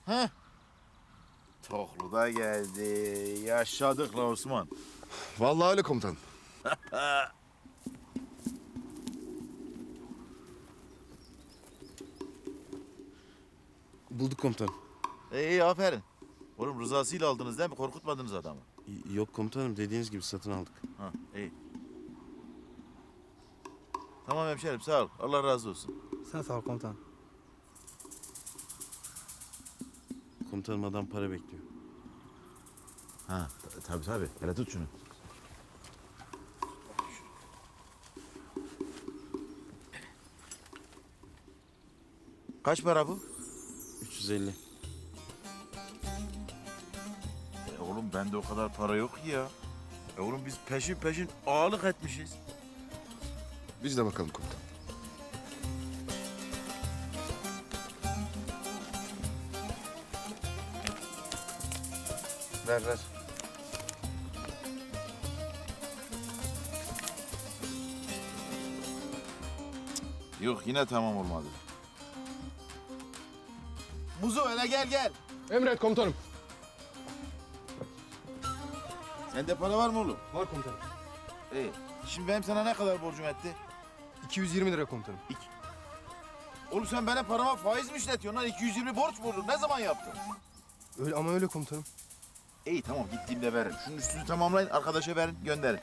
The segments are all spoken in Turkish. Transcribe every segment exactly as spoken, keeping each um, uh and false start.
Heh. Toklu da geldi. Yaşadık la Osman. Vallahi öyle komutanım. Bulduk komutanım. İyi, iyi aferin. Oğlum rızasıyla aldınız değil mi? Korkutmadınız adamı. Y- Yok komutanım, dediğiniz gibi satın aldık. Ha, iyi. Tamam hemşerim, sağ ol. Allah razı olsun. Sen sağ ol komutanım. Komutanım, adam para bekliyor. Ha, tabii tabii. Hele tut şunu. Kaç para bu? üç yüz elli. E oğlum bende o kadar para yok ki ya. E oğlum biz peşin peşin ağalık etmişiz. Biz de bakalım komutanım. Ver ver. Yok yine tamam olmadı. Muzo hele gel gel. Emret komutanım. Sende para var mı oğlum? Var komutanım. İyi. Şimdi benim sana ne kadar borcum etti? iki yüz yirmi lira komutanım. Oğlum sen benim parama faiz mi işletiyorsun lan? iki yüz yirmi borç buldun. Ne zaman yaptın? Öyle ama öyle komutanım. İyi tamam gittiğimde veririm. Şunun üstünü tamamlayın arkadaşa verin gönderin.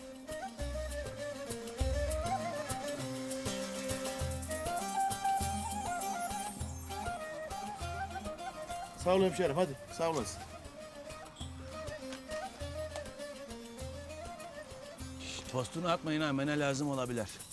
Sağ ol hemşerim hadi sağ olasın. Tostunu atmayın ha, mene lazım olabilir.